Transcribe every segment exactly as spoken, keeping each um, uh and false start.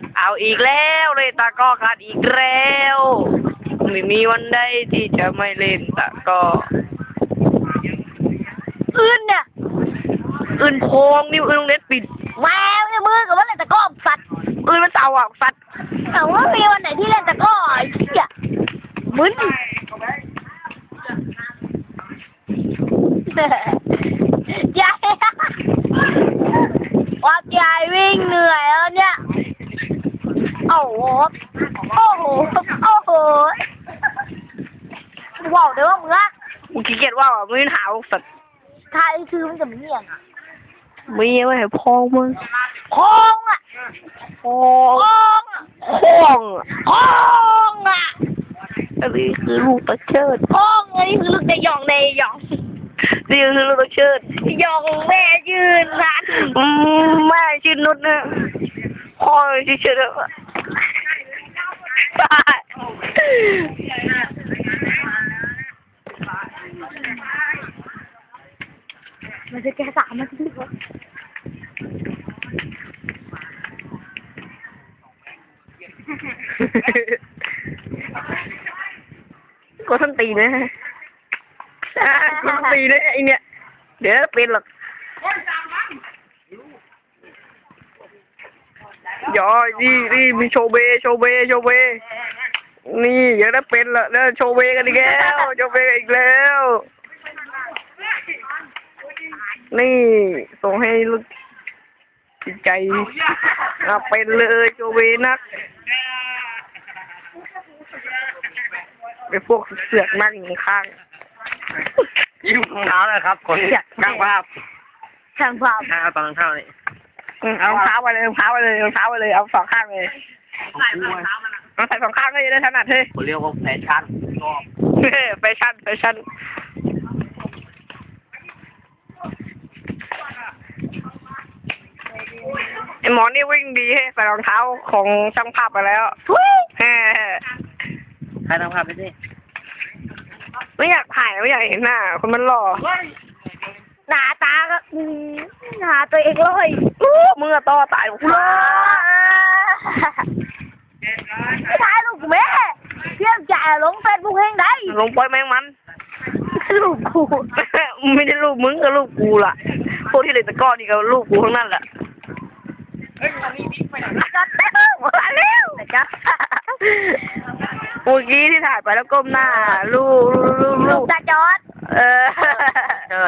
เอาอีกแล้วเลยตาก็ขาดอีกแล้วไม่มีวันใดที่จะไม่เล่นตาก็อื่นเนี่ยอื่นโพงนิ้วอื่นเน็ตปิดแมวเนี่ยมือกับว่าเล่นตะก้อสัตว์อื่นมันเต่าอ่ะสัตว์แต่ว่ามีวันไหนที่เล่นตะก้อไอ้เหี้ยมึนยายว่ายายวิ่งเหนื่อยแล้วเนี่ยโอ้โหโอ้โหโอ้โหว้าวเดี๋ยวมึงอะมึงขี้เกียจว่าอ่ะมึงหาวสัตว์ทายคือมันจะมีอย่างอ่ะมีไว้ให้พองมึงพองอ่ะพองพองอ่ะพองพองอ่ะอันนี้คือลูกตะเชิดพองอันนี้คือลูกในยองในยองนี่คือลูกตะเชิดยองแม่ยืนรันอืมแม่ชื่อนุชนะพ่อชื่อเชิดมันจะแก้สามมันจะก็ส้นตีนนะก็ส้นตีนนะไอเนี่ยเดี๋ยวเป็นหรอกย่อนี่นี่มีโชเบโชเบโชเบนี่ยังได้เป็นละแล้วโชเบกันอีกแล้วโชเบอีกแล้วนี่ส่งให้ลูกจิตใจอ่ะเป็นเลยโชเบนักไปพวกเสือกนั่งอยู่ข้างยิ้มรองเท้าเลยครับคนช่างภาพช่างภาพเอาตอนเท้านี่เอาเท้าไปเลยเท้าไปเลยเท้าไปเลยเอาสองข้างเลยใส่รองเท้ามันเอาใส่สองข้างก็จะได้ถนัดเฮ้ยผมเรียกว่าแฟชั่นแฟชั่นแฟชั่นไอหมอนี่วิ่งดีให้ใส่รองเท้าของช่างภาพไปแล้วแฮ่ใครทำภาพไปสิไม่อยากถ่ายไม่อยากเห็นหน้าคนมันหล่อหน้าตาก็หน้าตัวเองเลยมึงอะต่อตายกูเลยไม่ถ่ายลูกแม่เพี้ยนจ่าลงเฟซบุ๊กเองได้ลงปล่อยแมงมันลูกกูไม่ได้ลูกมึงกับลูกกูล่ะพวกที่เล่นตะก้อนี่ก็ลูกกูทั้งนั้นแหละจัดเต็มมาแล้วจ้ะเมื่อกี้ที่ถ่ายไปแล้วก้มหน้าลูกลูกลูกตาจอดเออเจิด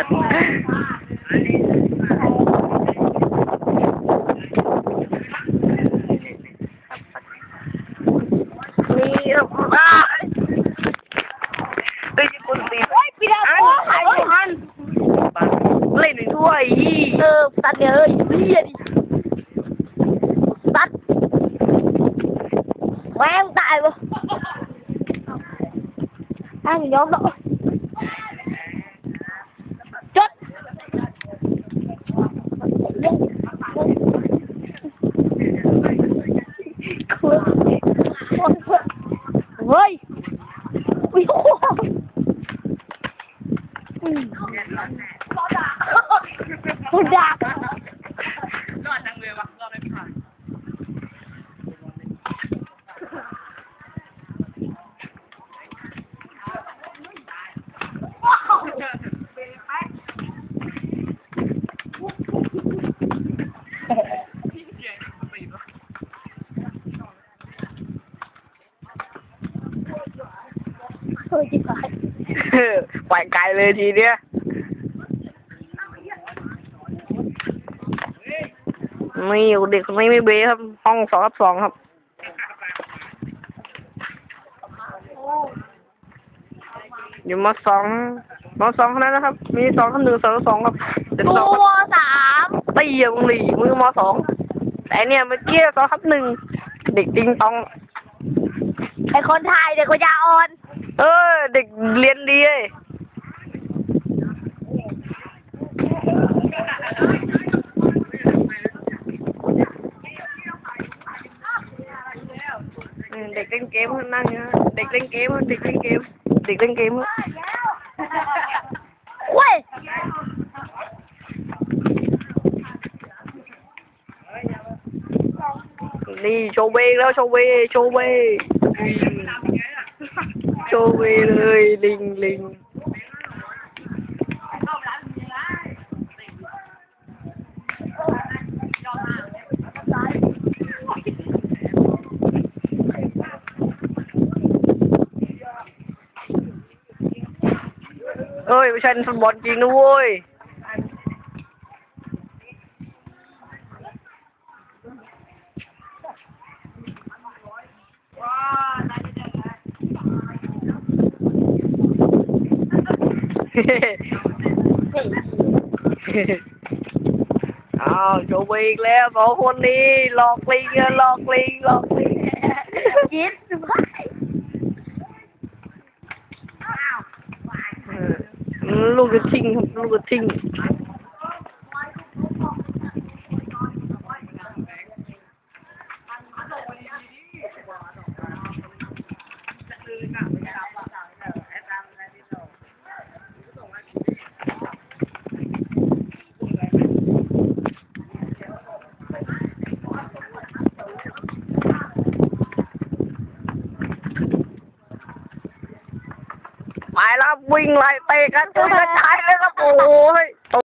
นี่อ่ะเฮ้ยคนตีโอ้ยปีดาโอ้หายหันเล่นหนึ่งถ้วยเออตัดเลยเฮียดิตัดแม่งตายวะอันนี้ยอมแล้วจดเฮ้ยวิโอคุณดักรอดจังเลยวะรอดไม่ผ่านเฮ้ยจิ๋วไปไกลเลยทีเนี้ยไม่อยู่เด็กคนนี้ไม่เบ้ครับห้องสองทับสองครับอยู่มสองมสองเท่านั้นนะครับมีสองทับหนึ่งสองสองครับเด็กสองมสามตีอย่างหลีมือมสองแต่เนี่ยเมื่อกี้สองทับหนึ่งเด็กติงตองไอคนไทยเด็กคนยาอ่อนเออเด็กเรียนดีเลยเด็กเล่นเกมนั่งเงี้ยเด็กเล่นเกมเด็กเล่นเกมเด็กเล่นเกมเว้ยเนี่โชว์เวย์แล้วโชว์เวย์โชว์เวย์โชว์เวย์เลยลิงลิงเอ้ยไม่ใช่ฟุตบอลจริงนะเว้ย อ้าวโชว์ไปอีกแล้วสองคนนี้หลอกลิงอะหลอกลิงหลอกลิงยิดเออลูกกระทิงครับลูกกระทิงไปแล้ววิ่งไล่เตะกันจนกระจายเลยครับโอ้ย